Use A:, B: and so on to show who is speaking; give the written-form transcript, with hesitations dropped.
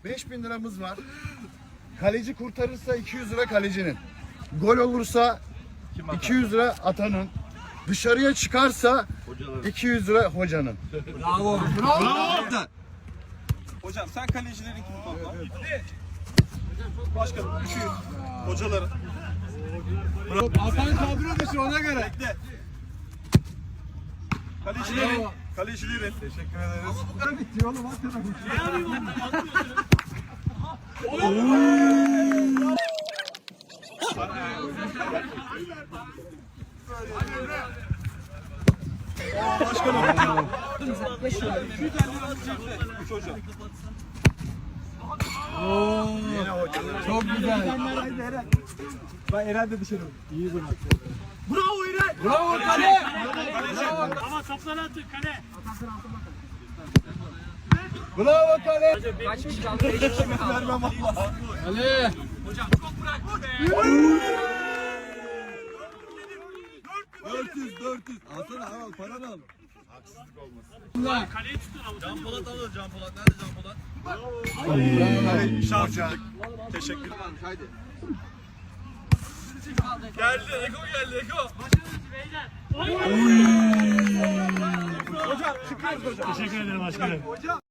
A: 5.000 liramız var. Kaleci kurtarırsa 200 lira kalecinin. Gol olursa 200 lira atanın. Dışarıya çıkarsa 200 lira hocanın.
B: Bravo. Bravo.
C: Hocam sen kalecilerin kimi topla? Başkanım 200. Hocaların.
B: Hasan kadro dışı ona göre.
C: Bekle. Kalecilerin. Teşekkür ederiz.
B: Bu kadar bitti oğlum.
C: Başkanım. 250 liramız çekti. 3 hocam.
A: Yine hocanın.
B: Çok güzel. Ben Eren de dışarı. İyi bunu. Bravo Eren. Bravo kale. Bravo.
D: Ama topları atın kale.
B: Bravo kale.
D: Kaçmış kaldı.
C: Vermem Allah.
B: Kale.
D: Hocam çok bıraktı be.
B: 400. Alsana al paranı al.
D: Kaleyi tutun avuç.
C: Can Polat alır. Can Polat. Nerede Can Polat? Şanssızlık. Teşekkür ederim. Haydi. Geldi. Eko geldi. Eko.
D: Teşekkür ederim başkanım.